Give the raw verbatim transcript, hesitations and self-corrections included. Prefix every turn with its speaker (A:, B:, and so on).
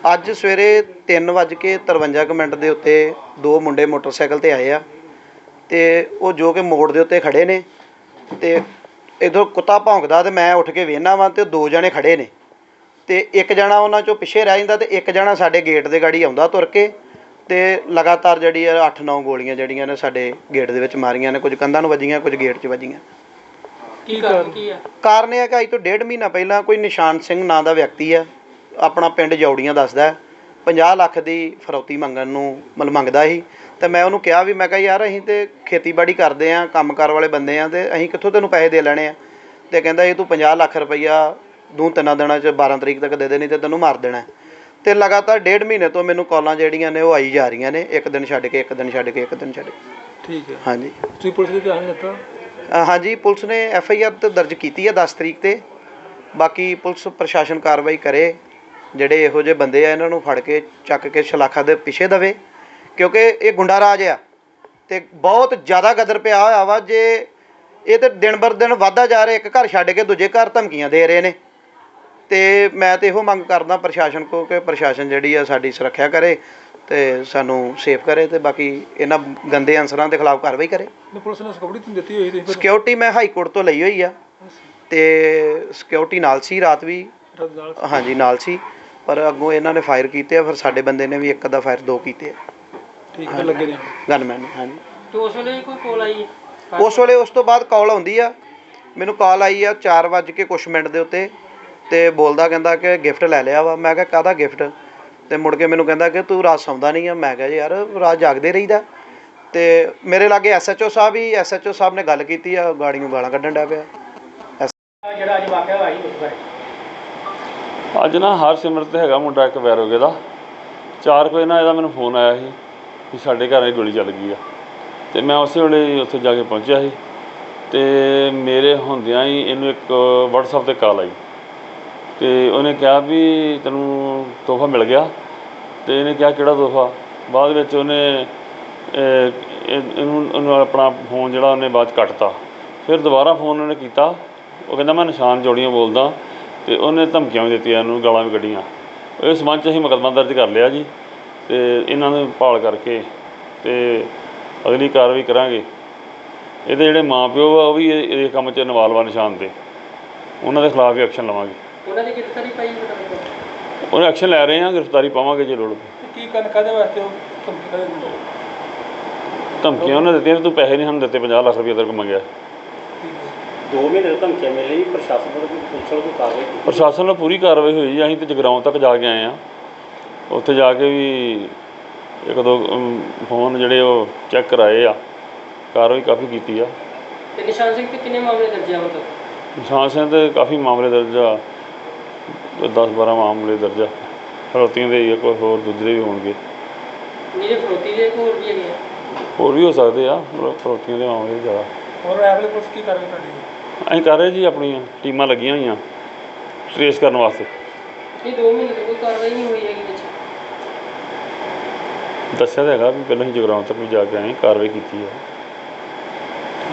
A: ਅੱਜ ਸਵੇਰੇ ਤਿੰਨ ਵੱਜ ਕੇ ਤਰਵੰਜਾ ਕੁ ਮਿੰਟ ਦੇ ਉੱਤੇ ਦੋ ਮੁੰਡੇ ਮੋਟਰਸਾਈਕਲ ਤੇ ਆਏ ਆ ਤੇ ਉਹ ਜੋ ਕਿ ਮੋੜ ਦੇ ਉੱਤੇ ਖੜੇ ਨੇ ਤੇ ਇਧਰੋਂ ਕੁੱਤਾ ਭੌਂਕਦਾ ਤੇ ਮੈਂ ਉੱਠ ਕੇ ਵੇਖਣਾ ਵਾਂ ਤੇ ਦੋ ਜਣੇ ਖੜੇ ਨੇ ਤੇ ਇੱਕ ਜਣਾ ਉਹਨਾਂ ਚੋਂ ਪਿੱਛੇ ਰਹਿ ਜਾਂਦਾ ਤੇ ਇੱਕ ਜਣਾ ਸਾਡੇ ਗੇਟ ਦੇ ਗਾੜੀ ਆਉਂਦਾ ਤੁਰ ਕੇ ਤੇ ਲਗਾਤਾਰ ਜਿਹੜੀ ਆ ਅੱਠ ਨੌ ਗੋਲੀਆਂ ਜਿਹੜੀਆਂ ਨੇ ਸਾਡੇ ਗੇਟ ਦੇ ਵਿੱਚ ਮਾਰੀਆਂ ਨੇ। ਕੁਝ ਕੰਧਾਂ ਨੂੰ ਵੱਜੀਆਂ, ਕੁਝ ਗੇਟ 'ਚ ਵੱਜੀਆਂ।
B: ਕੀ ਕਾਰਨ ਕੀ ਆ?
A: ਕਾਰਨ ਇਹ ਹੈ ਕਿ ਅੱਜ ਤੋਂ ਡੇਢ ਮਹੀਨਾ ਪਹਿਲਾਂ ਕੋਈ ਨਿਸ਼ਾਨ ਸਿੰਘ ਨਾਂ ਦਾ ਵਿਅਕਤੀ ਆ, ਆਪਣਾ ਪਿੰਡ ਜੌੜੀਆਂ ਦੱਸਦਾ, ਪੰਜਾਹ ਲੱਖ ਦੀ ਫਰੌਤੀ ਮੰਗਣ ਨੂੰ ਮਤਲਬ ਮੰਗਦਾ ਸੀ। ਤੇ ਮੈਂ ਉਹਨੂੰ ਕਿਹਾ ਵੀ ਮੈਂ ਕਿਹਾ ਯਾਰ ਅਸੀਂ ਤੇ ਖੇਤੀਬਾੜੀ ਕਰਦੇ ਹਾਂ, ਕੰਮਕਾਰ ਵਾਲੇ ਬੰਦੇ ਹਾਂ, ਤੇ ਅਸੀਂ ਕਿੱਥੋਂ ਤੈਨੂੰ ਪੈਸੇ ਦੇ ਲੈਣੇ ਆ। ਤੇ ਕਹਿੰਦਾ ਇਹ ਤੂੰ ਪੰਜਾਹ ਲੱਖ ਰੁਪਈਆ ਦੋ ਤਿੰਨਾਂ ਦਿਨਾਂ 'ਚ ਬਾਰਾਂ ਤਰੀਕ ਤੱਕ ਦੇ ਦੇਣੀ ਤੇ ਤੈਨੂੰ ਮਾਰ ਦੇਣਾ। ਤੇ ਲਗਾਤਾਰ ਡੇਢ ਮਹੀਨੇ ਤੋਂ ਮੈਨੂੰ ਕਾਲਾਂ ਜਿਹੜੀਆਂ ਨੇ ਉਹ ਆਈ ਜਾ ਰਹੀਆਂ ਨੇ, ਇੱਕ ਦਿਨ ਛੱਡ ਕੇ ਇੱਕ ਦਿਨ ਛੱਡ ਕੇ ਇੱਕ ਦਿਨ ਛੱਡ ਕੇ।
B: ਠੀਕ ਹੈ।
A: ਹਾਂਜੀ,
B: ਤੁਸੀਂ ਪੁਲਿਸ ਨੂੰ ਧਿਆਨ ਦਿੱਤਾ?
A: ਹਾਂਜੀ, ਪੁਲਿਸ ਨੇ ਐਫ ਆਈ ਆਰ ਤਾਂ ਦਰਜ ਕੀਤੀ ਹੈ ਦਸ ਤਰੀਕ ਤੇ। ਬਾਕੀ ਪੁਲਿਸ ਪ੍ਰਸ਼ਾਸਨ ਕਾਰਵਾਈ ਕਰੇ, ਜਿਹੜੇ ਇਹੋ ਜਿਹੇ ਬੰਦੇ ਆ ਇਹਨਾਂ ਨੂੰ ਫੜ ਕੇ ਚੱਕ ਕੇ ਸ਼ਲਾਖਾ ਦੇ ਪਿੱਛੇ ਦੇਵੇ, ਕਿਉਂਕਿ ਇਹ ਗੁੰਡਾ ਰਾਜ ਆ ਤੇ ਬਹੁਤ ਜ਼ਿਆਦਾ ਗਦਰ ਪਿਆ ਹੋਇਆ ਵਾ। ਜੇ ਇਹ ਤਾਂ ਦਿਨ ਬਰ ਦਿਨ ਵੱਧਦਾ ਜਾ ਰਿਹਾ, ਇੱਕ ਘਰ ਛੱਡ ਕੇ ਦੂਜੇ ਘਰ ਧਮਕੀਆਂ ਦੇ ਰਹੇ ਨੇ। ਤੇ ਮੈਂ ਤਾਂ ਇਹੋ ਮੰਗ ਕਰਦਾ ਪ੍ਰਸ਼ਾਸਨ ਕੋਲ ਕਿ ਪ੍ਰਸ਼ਾਸਨ ਜਿਹੜੀ ਆ ਸਾਡੀ ਸੁਰੱਖਿਆ ਕਰੇ ਤੇ ਸਾਨੂੰ ਸੇਫ ਕਰੇ ਤੇ ਬਾਕੀ ਇਹਨਾਂ ਗੰਦੇ ਅਨਸਰਾਂ ਦੇ ਖਿਲਾਫ ਕਾਰਵਾਈ ਕਰੇ।
B: ਪੁਲਿਸ ਨੇ ਸਿਕਿਉਰਿਟੀ ਦਿੱਤੀ ਹੋਈ ਸੀ?
A: ਸਿਕਿਉਰਿਟੀ ਮੈਂ ਹਾਈ ਕੋਰਟ ਤੋਂ ਲਈ ਹੋਈ ਆ ਤੇ ਸਿਕਿਉਰਿਟੀ ਨਾਲ ਸੀ, ਰਾਤ ਵੀ ਹਾਂਜੀ ਨਾਲ ਸੀ, ਪਰ ਅੱਗੋਂ ਇਹਨਾਂ ਨੇ ਫਾਇਰ ਕੀਤੇ ਆ। ਫਿਰ ਸਾਡੇ ਬੰਦੇ ਨੇ ਵੀ ਇੱਕ ਅੱਧਾ ਫਾਇਰ ਦੋ ਕੀਤੇ ਆ।
B: ਠੀਕ ਹੈ, ਲੱਗੇ ਨੇ
A: ਗਨਮੈਨ ਨੇ। ਹਾਂਜੀ।
C: ਤੇ ਉਸ ਵੇਲੇ ਕੋਈ ਕਾਲ ਆਈ?
A: ਉਸ ਵੇਲੇ ਉਸ ਤੋਂ ਬਾਅਦ ਕਾਲ ਆਉਂਦੀ ਆ, ਮੈਨੂੰ ਕਾਲ ਆਈ ਆ ਚਾਰ ਵੱਜ ਕੇ ਕੁਛ ਮਿੰਟ ਦੇ ਉੱਤੇ ਤੇ ਬੋਲਦਾ ਕਹਿੰਦਾ ਕਿ ਗਿਫਟ ਲੈ ਲਿਆ ਵਾ। ਮੈਂ ਕਿਹਾ ਕਾਹਦਾ ਗਿਫਟ? ਤੇ ਮੁੜ ਕੇ ਮੈਨੂੰ ਕਹਿੰਦਾ ਕਿ ਤੂੰ ਰਾਤ ਸੌਂਦਾ ਨਹੀਂ ਆ। ਮੈਂ ਕਿਹਾ ਯਾਰ ਰਾਤ ਜਾਗਦੇ ਰਹੀਦਾ। ਤੇ ਮੇਰੇ ਲਾਗੇ ਐਸ ਐਚ ਓ ਸਾਹਿਬ ਹੀ ਐਸ ਐਚ ਓ ਸਾਹਿਬ ਨੇ ਗੱਲ ਕੀਤੀ ਆ, ਗਾੜੀਆਂ ਗਾਲਾਂ ਕੱਢਣ ਡਿਆ ਪਿਆ।
C: ਜਿਹੜਾ ਅੱਜ ਵਾਕਿਆ ਹੋਇਆ ਸੀ ਉਸ ਬਾਰੇ?
D: ਅੱਜ ਨਾ ਹਰਸਿਮਰਤ ਹੈਗਾ ਮੁੰਡਾ ਇੱਕ ਵੈਰੋਗੇ ਦਾ, ਚਾਰ ਕੁ ਨਾ ਇਹਦਾ ਮੈਨੂੰ ਫੋਨ ਆਇਆ ਸੀ ਵੀ ਸਾਡੇ ਘਰ ਗੋਲੀ ਚੱਲ ਗਈ ਆ। ਤੇ ਮੈਂ ਉਸੇ ਵੇਲੇ ਉੱਥੇ ਜਾ ਕੇ ਪਹੁੰਚਿਆ ਸੀ ਤੇ ਮੇਰੇ ਹੁੰਦਿਆਂ ਹੀ ਇਹਨੂੰ ਇੱਕ ਵਟਸਐਪ 'ਤੇ ਕਾਲ ਆਈ ਤੇ ਉਹਨੇ ਕਿਹਾ ਵੀ ਤੈਨੂੰ ਤੋਹਫਾ ਮਿਲ ਗਿਆ। ਤੇ ਇਹਨੇ ਕਿਹਾ ਕਿਹੜਾ ਤੋਹਫਾ? ਬਾਅਦ ਵਿੱਚ ਉਹਨੇ ਇਹਨੂੰ ਉਹਨੂੰ ਆਪਣਾ ਫੋਨ ਜਿਹੜਾ ਉਹਨੇ ਬਾਅਦ 'ਚ ਕੱਟਤਾ। ਫਿਰ ਦੁਬਾਰਾ ਫੋਨ ਉਹਨੇ ਕੀਤਾ, ਉਹ ਕਹਿੰਦਾ ਮੈਂ ਨਿਸ਼ਾਨ ਜੌੜੀਆਂ ਬੋਲਦਾ ਤੇ ਉਹਨੇ ਧਮਕੀਆਂ ਵੀ ਦਿੱਤੀਆਂ, ਇਹਨੂੰ ਗਾਲਾਂ ਵੀ ਕੱਢੀਆਂ। ਇਸ ਸੰਬੰਧ 'ਚ ਅਸੀਂ ਮੁਕੱਦਮਾ ਦਰਜ ਕਰ ਲਿਆ ਜੀ ਤੇ ਇਹਨਾਂ ਨੂੰ ਭਾਲ ਕਰਕੇ ਤੇ ਅਗਲੀ ਕਾਰਵਾਈ ਕਰਾਂਗੇ। ਇਹਦੇ ਜਿਹੜੇ ਮਾਂ ਪਿਓ ਆ ਉਹ ਵੀ ਇਹ ਕੰਮ 'ਚ ਇਨਵਾਲਵ ਆ ਨਿਸ਼ਾਨ 'ਤੇ, ਉਹਨਾਂ ਦੇ ਖਿਲਾਫ ਵੀ ਐਕਸ਼ਨ ਲਵਾਂਗੇ।
C: ਉਹਨਾਂ ਦੀ ਗ੍ਰਿਫਤਾਰੀ ਪਾਈ?
D: ਉਹਨੇ ਐਕਸ਼ਨ ਲੈ ਰਹੇ ਹਾਂ, ਗ੍ਰਿਫਤਾਰੀ ਪਾਵਾਂਗੇ ਜੇ ਲੋੜ ਪਈ।
B: ਕੀ ਕਰਨ ਕਾਹਦੇ ਵਾਸਤੇ ਉਹ ਧਮਕੀ ਕਾਹਦੇ ਦਿੰਦੇ?
D: ਧਮਕੀਆਂ ਉਹਨੇ ਦਿੱਤੀਆਂ, ਤੂੰ ਪੈਸੇ ਨਹੀਂ ਸਾਨੂੰ ਦਿੱਤੇ, ਪੰਜਾਹ ਲੱਖ ਰੁਪਏ ਤੇਰੇ ਕੋਲ ਮੰਗਿਆ।
C: ਦੋ ਮਹੀਨੇ ਤੋਂ ਧਮਕੀਆਂ ਮਿਲ ਰਹੀ, ਪ੍ਰਸ਼ਾਸਨ ਵੱਲੋਂ ਕੋਈ ਪੁਲਿਸ ਵੱਲੋਂ ਕੋਈ ਕਾਰਵਾਈ ਕੀਤੀ?
D: ਪ੍ਰਸ਼ਾਸਨ ਨਾਲ ਪੂਰੀ ਕਾਰਵਾਈ ਹੋਈ ਜੀ। ਅਸੀਂ ਤਾਂ ਜਗਰਾਉਂ ਤੱਕ ਜਾ ਕੇ ਆਏ ਹਾਂ, ਉੱਥੇ ਜਾ ਕੇ ਵੀ ਇੱਕ ਦੋ ਫੋਨ ਜਿਹੜੇ ਉਹ ਚੈੱਕ ਕਰਾਏ ਆ, ਕਾਰਵਾਈ ਕਾਫੀ ਕੀਤੀ ਆ।
C: ਤੇ ਨਿਸ਼ਾਨ ਸਿੰਘ 'ਤੇ ਕਿੰਨੇ ਮਾਮਲੇ ਦਰਜ ਆ? ਮਤਲਬ
D: ਨਿਸ਼ਾਨ ਸਿੰਘ 'ਤੇ ਕਾਫੀ ਮਾਮਲੇ ਦਰਜ ਆ, ਦਸ ਬਾਰਾਂ ਮਾਮਲੇ ਦਰਜ ਆ। ਫਰੋਤੀਆਂ ਦੇ ਕੋਈ ਹੋਰ ਦੂਜੇ ਵੀ ਹੋਣਗੇ।
C: ਜਿਹੜੇ ਫਰੋਤੀ ਦੇ ਹੋਰ ਵੀ ਹੈਗੇ ਆ?
D: ਹੋਰ ਵੀ ਹੋ ਸਕਦੇ ਆ, ਫਰੋਤੀਆਂ ਦੇ ਮਾਮਲੇ ਜ਼ਿਆਦਾ।
B: ਹੋਰ ਐਵਲੇ ਪੁਲਿਸ ਕੀ ਕਾਰਵਾਈ ਕਰਦੀ?
D: ਅਸੀਂ ਕਰ ਰਹੇ ਜੀ, ਆਪਣੀਆਂ ਟੀਮਾਂ ਲੱਗੀਆਂ ਹੋਈਆਂ ਟਰੇਸ ਕਰਨ ਵਾਸਤੇ।
C: ਇਹ ਦੋ ਮਹੀਨੇ ਤੋਂ ਕੋਈ ਕਾਰਵਾਈ ਨਹੀਂ ਹੋਈ ਹੈਗੀ ਵਿੱਚ?
D: ਦੱਸਿਆ ਤਾਂ ਹੈਗਾ ਵੀ ਪਹਿਲਾਂ ਅਸੀਂ ਜਗਰਾਉਂ ਤੱਕ ਵੀ ਜਾ ਕੇ ਆਏ, ਕਾਰਵਾਈ ਕੀਤੀ ਹੈ।